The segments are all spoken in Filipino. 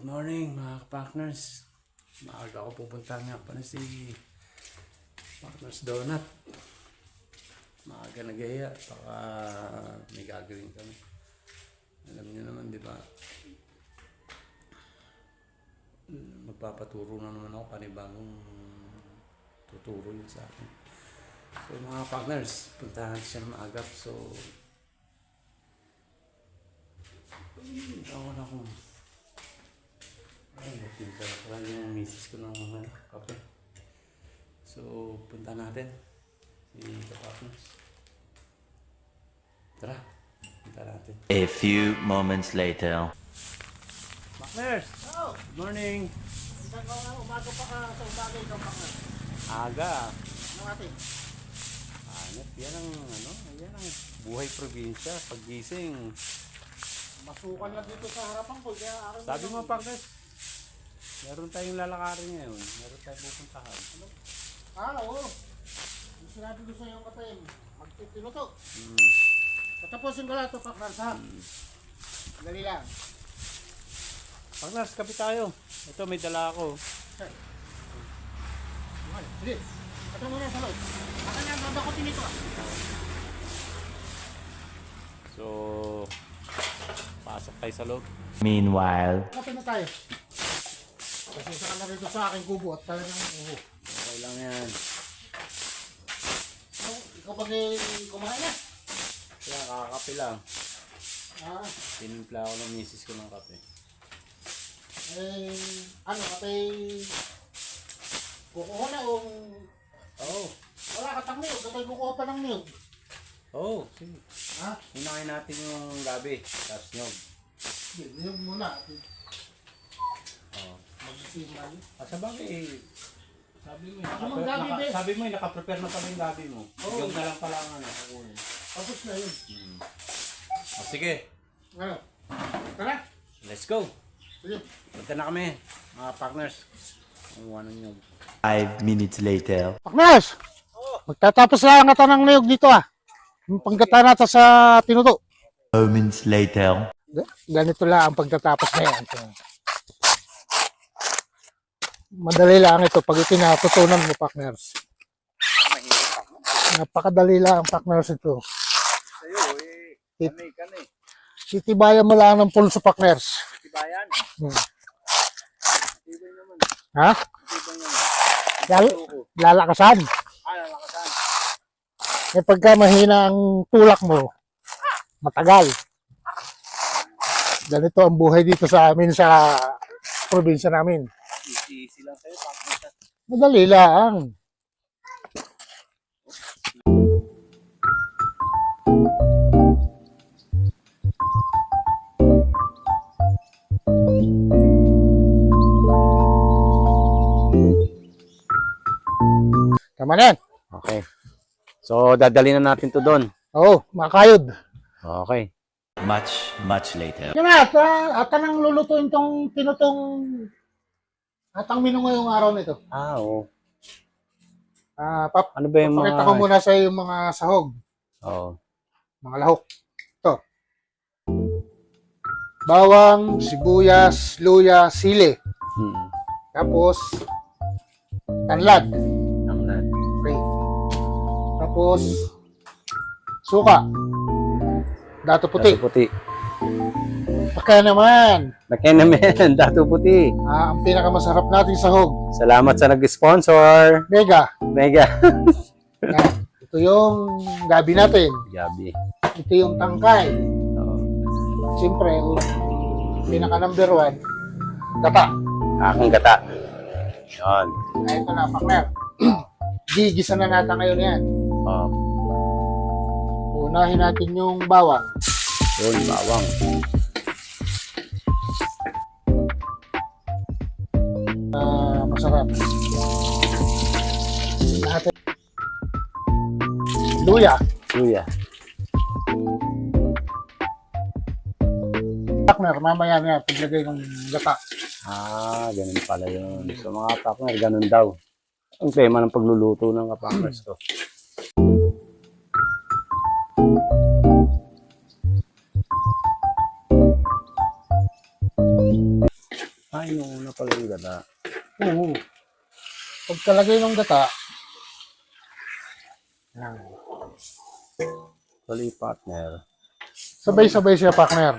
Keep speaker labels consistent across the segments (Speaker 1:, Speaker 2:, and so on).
Speaker 1: Good morning mga partners. Maaga ako pupunta nga pa na si Partners Donut. Maaga nagaya, baka may gagawin kami. Alam niyo naman, di ba? Magpapaturo na naman ako, panibagong tuturo yun sa akin. So mga partners, puntahan siya na maagap. So ako na kung nagpinta ko lang yung misis ko ng mga kape. So punta natin si Partners. Tara, punta natin.
Speaker 2: A few moments later.
Speaker 1: Partners!
Speaker 3: Oh,
Speaker 1: Good morning!
Speaker 3: umaga pa ka sa umaga ikaw pa ka.
Speaker 1: Aga!
Speaker 3: Ano natin?
Speaker 1: Hanap, yan ang yan ang buhay probinsya. Paggising.
Speaker 3: Masukan lang dito sa harapan ko. Kaya akin
Speaker 1: Sabi mo Partners, meron tayong lalakarin ngayon. Meron tayong pupuntahan.
Speaker 3: oo. Yung sinabi ko sa iyong kapatid, magtitinuto.
Speaker 1: Hmm.
Speaker 3: Patapusin ko lang ito, Paknars, ha? Dali lang.
Speaker 1: Partners, kapit tayo. Ito, may dala ako.
Speaker 3: Sir. Sige. Ito muna sa loob. Akan yan, babakutin ito, ah.
Speaker 1: So, pasok tayo sa loob.
Speaker 2: Meanwhile.
Speaker 3: Kapit na tayo. Kasi sa na rito sa aking kubo at talagang
Speaker 1: Okay lang yan.
Speaker 3: ikaw pag kumain na.
Speaker 1: Kaya kakakape lang.
Speaker 3: Ah,
Speaker 1: Tinimpla ako ng misis ko ng kape.
Speaker 3: kukuha na o
Speaker 1: Oo.
Speaker 3: wala ka tang niyog, katay kukuha pa ng niyog.
Speaker 1: Oo, sige.
Speaker 3: Ha?
Speaker 1: Hinahin natin yung gabi. Tapos nyog.
Speaker 3: Niyog muna.
Speaker 1: Oo.
Speaker 3: Magsisimay.
Speaker 1: Sa bagay, sabi mo,
Speaker 3: Ano gabi, be?
Speaker 1: sabi mo, nakaprepare na pala yung gabi mo.
Speaker 3: Oo.
Speaker 1: Yung na lang pala ang kukunin.
Speaker 3: Tapos na yun.
Speaker 1: Sige,
Speaker 3: Ano? Tara.
Speaker 1: let's go.
Speaker 3: Sige.
Speaker 1: Punta na kami, mga partners. Kumuha ng nyog.
Speaker 2: 5 minutes later.
Speaker 3: Paknas! Magtatapos lang ang ng niyog dito, ah. Yung panggata natin sa tinuto.
Speaker 2: Moments later.
Speaker 3: Ganito lang ang pagtatapos na yan. Madali lang ito pag itinatutunan mo, partners. Napakadali lang ang partners ito.
Speaker 1: Sa'yo, kanay ka na
Speaker 3: Titibayan mo lang ng pulso, partners.
Speaker 1: Tibayan. Tibay naman.
Speaker 3: Ha?
Speaker 1: Tibay naman.
Speaker 3: Lalakasan.
Speaker 1: Lalakasan.
Speaker 3: Eh pagka mahina ang tulak mo, matagal. Ganito ang buhay dito sa amin sa probinsya namin.
Speaker 1: Easy lang sa'yo, partners.
Speaker 3: Madali lang. Tama na yan.
Speaker 1: Okay. So, dadali na natin to doon.
Speaker 3: Oo, makakayod.
Speaker 1: Okay.
Speaker 2: Much later.
Speaker 3: Yan na, at nang lulutuin tong tinutong atang menu ngayong araw nito.
Speaker 1: Oo.
Speaker 3: Pap,
Speaker 1: Ano ba yung
Speaker 3: pakita ko muna sa yung mga sahog,
Speaker 1: Oo.
Speaker 3: mga lahok. Ito. Bawang, sibuyas, luya, sili. Tapos, tanlad. Okay. Tapos, suka. Dato puti.
Speaker 1: Dato puti.
Speaker 3: Pagka naman,
Speaker 1: Nakaya naman, dato puti.
Speaker 3: ang pinakamasarap nating sahog,
Speaker 1: Salamat sa nag-sponsor.
Speaker 3: mega.
Speaker 1: Mega.
Speaker 3: Yan. Ito yung gabi natin.
Speaker 1: Gabi.
Speaker 3: Ito yung tangkay.
Speaker 1: Oo.
Speaker 3: Siyempre, pinaka number 1, gata.
Speaker 1: Aking gata. Yan.
Speaker 3: Ito na, partner. Gigisa na natin ngayon yan.
Speaker 1: Oo.
Speaker 3: Unahin natin yung bawang.
Speaker 1: Yun, bawang.
Speaker 3: Masarap. Natin. Luya.
Speaker 1: Luya.
Speaker 3: Partner, mamaya na paglagay ng gata.
Speaker 1: Ganun pala yun. So mga partner, ganun daw. Ang tema ng pagluluto ng kapangers ko.
Speaker 3: Oo. Pagkalagay ng gata, yan.
Speaker 1: Tuloy, partner.
Speaker 3: Sabay-sabay siya, partner.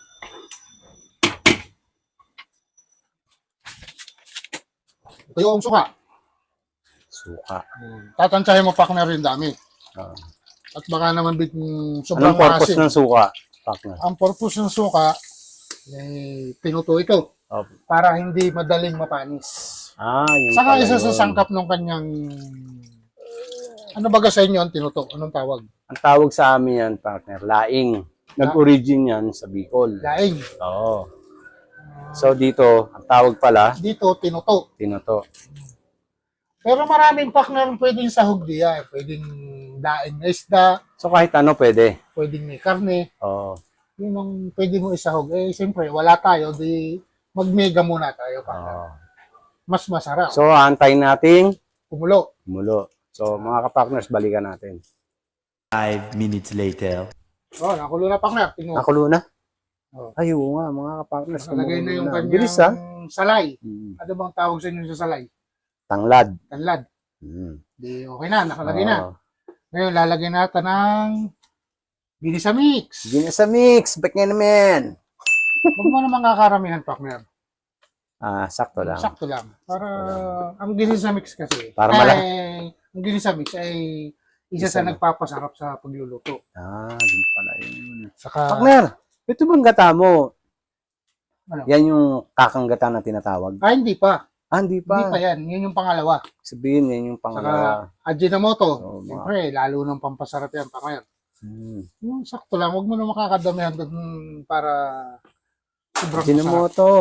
Speaker 3: Ito yung suka.
Speaker 1: Suka.
Speaker 3: Tatantsahin mo, partner, yung dami.
Speaker 1: Ah.
Speaker 3: At baka naman sobrang
Speaker 1: Anong purpose
Speaker 3: asim.
Speaker 1: ng suka, partner?
Speaker 3: Ang purpose ng suka, tinuto ito
Speaker 1: Oh.
Speaker 3: para hindi madaling mapanis.
Speaker 1: Yung
Speaker 3: Saka
Speaker 1: pala
Speaker 3: isa
Speaker 1: yun.
Speaker 3: sa sangkap ng kanyang, ano baga sa inyo ang tinuto? Anong tawag?
Speaker 1: Ang tawag sa amin yan, partner, laing. Nag-origin yan sa Bicol.
Speaker 3: Laing.
Speaker 1: Oo. So dito, ang tawag pala,
Speaker 3: Dito, tinuto.
Speaker 1: tinoto.
Speaker 3: Pero maraming partner pwedeng sahog diya. Pwedeng daing na isda,
Speaker 1: So kahit ano pwede.
Speaker 3: pwedeng may karne.
Speaker 1: Oo.
Speaker 3: Yun ang pwede mo isahog. Siyempre, wala tayo. Di mag-mega muna tayo, partner.
Speaker 1: Oo.
Speaker 3: Mas masarap.
Speaker 1: So antayin nating
Speaker 3: Kumulo.
Speaker 1: kumulo. So mga ka-partners, balikan natin.
Speaker 2: 5 minutes later.
Speaker 3: Oh, nakulo na, partner. Tingnan mo.
Speaker 1: Nakulo na?
Speaker 3: Oo.
Speaker 1: Ay, oo nga, mga ka-partners.
Speaker 3: Nakalagay na yung
Speaker 1: kumulo
Speaker 3: kanyang
Speaker 1: Bilis ha?
Speaker 3: salay.
Speaker 1: Hmm.
Speaker 3: Ano bang tawag sa inyo sa salay?
Speaker 1: Tanglad.
Speaker 3: Tanlad.
Speaker 1: Hmm.
Speaker 3: Di okay na, nakalagay na.
Speaker 1: Oo.
Speaker 3: Ngayon, lalagay natin ng Ginisa Mix.
Speaker 1: Gina sa mix. Back nga naman.
Speaker 3: Huwag mo naman kakaramihan, partner.
Speaker 1: Sakto lang.
Speaker 3: Sakto lang. Para, ang Ginisa Mix kasi,
Speaker 1: Para malaki.
Speaker 3: ang Ginisa Mix ay isa sa
Speaker 1: Isa na.
Speaker 3: nagpapasarap sa pagluluto.
Speaker 1: Din pala yun.
Speaker 3: Saka,
Speaker 1: Partner, ito bang gata mo?
Speaker 3: Ano?
Speaker 1: Yan yung kakanggata na tinatawag.
Speaker 3: hindi pa.
Speaker 1: Hindi
Speaker 3: Hindi pa
Speaker 1: pa.
Speaker 3: yan. Yun yung pangalawa.
Speaker 1: Sabihin, yan yung pangalawa.
Speaker 3: Ajinomoto.
Speaker 1: Oo, mga-
Speaker 3: Siyempre, lalo nang pampasarap yan, partner.
Speaker 1: Hmm.
Speaker 3: Yung sakto lang. Huwag mo na makakadamihan doon para sobrang
Speaker 1: Gina mo
Speaker 3: masarap.
Speaker 1: to.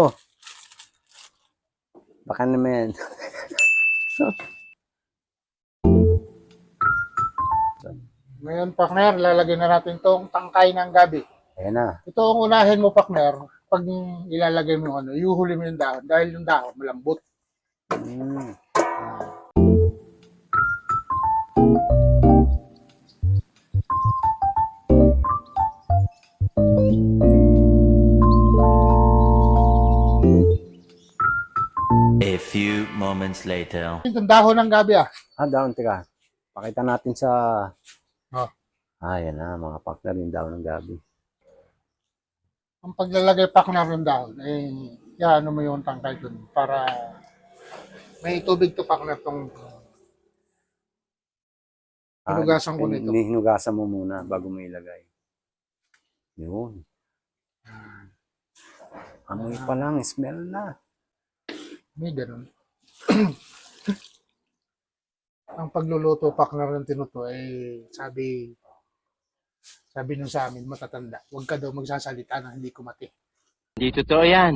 Speaker 1: Baka naman.
Speaker 3: Ngayon, partner, lalagyan na natin tong tangkay ng gabi.
Speaker 1: Ayan na.
Speaker 3: Ito ang unahin mo, partner. Pag ilalagay mo yung ano, iuhuli mo yung dahon. Dahil yung dahon, malambot.
Speaker 1: Hmm.
Speaker 2: A few moments later.
Speaker 3: Itong dahon ng gabi
Speaker 1: Down, teka. Pakita natin sa...
Speaker 3: Oh.
Speaker 1: Yan na, mga partner yung daw ng gabi.
Speaker 3: Ang paglalagay, partner, yung dahon, ano mo yung tangkay dun para may tubig to, partner, tong hinugasan ko nito.
Speaker 1: Hinugasan mo muna bago mo ilagay. Yun. Amoy pa lang, smell na.
Speaker 3: May ganun. Ang pagluluto, partner, ng tinuto, sabi nung sa amin, matatanda, huwag ka daw magsasalita na hindi kumati.
Speaker 2: Hindi totoo yan.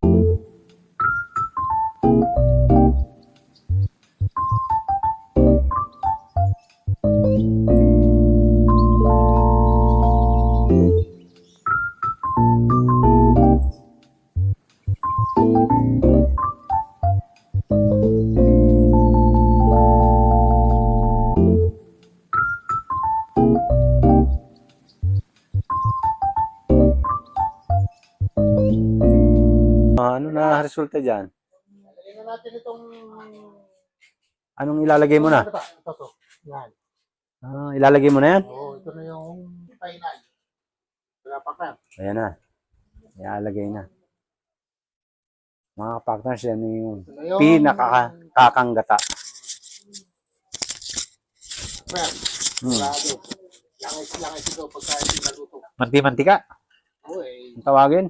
Speaker 1: Ano na resulta dyan?
Speaker 3: Lagyan na natin itong...
Speaker 1: Anong ilalagay mo na?
Speaker 3: Ito. Yan.
Speaker 1: Ilalagay mo na yan?
Speaker 3: Oo, ito na yung final. Wala pa ka.
Speaker 1: Ayan na. Ilalagay na. Mga partners, yan yung
Speaker 3: Ito na yung...
Speaker 1: pinakakakanggata.
Speaker 3: Well, sigurado. Langis ito pagka hindi naluto.
Speaker 1: Manti-mantika.
Speaker 3: Oo
Speaker 1: Ang tawagin.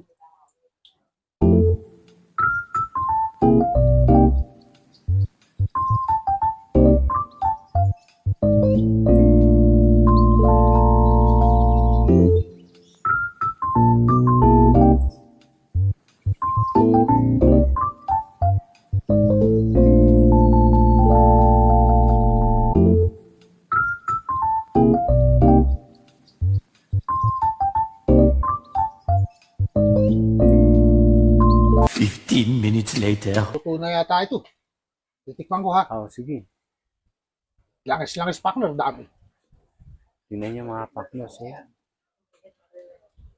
Speaker 2: Minutes later.
Speaker 3: Luto na yata ito. Titikman ko ha.
Speaker 1: Sige.
Speaker 3: Langis, partner, dami.
Speaker 1: Tingnan niyo mga partners. Ayan.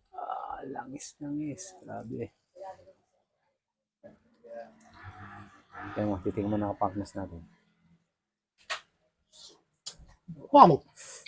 Speaker 1: Langis. Grabe.
Speaker 4: Kaya mo, titingnan mo na partners natin.
Speaker 3: Wow!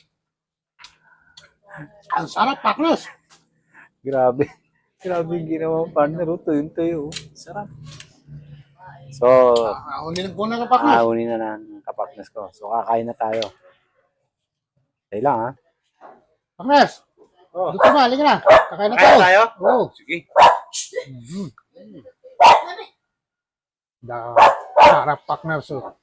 Speaker 3: Ang sarap, partners!
Speaker 4: Grabe. Grabe yung ginawa ng partner. Oh. Tuyo-tuyo. Oh. Sarap. So,
Speaker 3: Unin ko na ng partners.
Speaker 4: aunin na ng kapatners ko. So, kakain na tayo. Tayo lang, ha?
Speaker 3: Partners!
Speaker 4: Oh.
Speaker 3: Dito na, halika na. Kakain na
Speaker 4: Kakain
Speaker 3: tayo.
Speaker 4: tayo?
Speaker 3: Oo.
Speaker 4: Sige.
Speaker 3: Sarap, partners. Oh.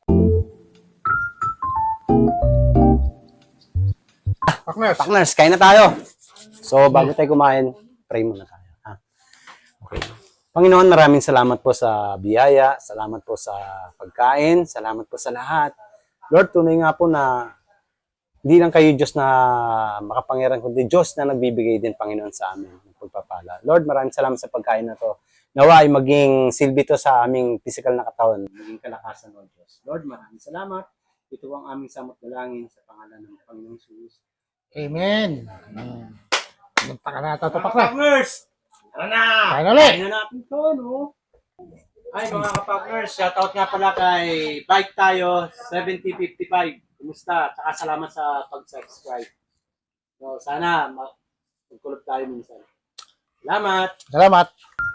Speaker 3: Partners,
Speaker 4: Partners, kain na tayo. So, bago tayo kumain, pray muna tayo. Ha? Okay. Panginoon, maraming salamat po sa biyaya, salamat po sa pagkain, salamat po sa lahat. Lord, tunay nga po na hindi lang kayo Diyos na makapangyarihan, kundi Diyos na nagbibigay din, Panginoon, sa amin ng pagpapala. Lord, maraming salamat sa pagkain na to. Nawa ay maging silbi to sa aming physical na katawan, maging kalakasan, Lord Diyos. Lord, maraming salamat. Ito ang aming samot dalangin sa pangalan ng Panginoong Jesus.
Speaker 3: amen. Punta ka na ito, partners.
Speaker 4: Partners! Tara na!
Speaker 3: Kain ulit.
Speaker 4: Kain na natin to, no? Ay, mga kapatners, shoutout nga pala kay Bike Tayo 7055. Kumusta? Tsaka salamat sa pag-subscribe. So, sana magkulog tayo minsan. Salamat!
Speaker 3: Salamat.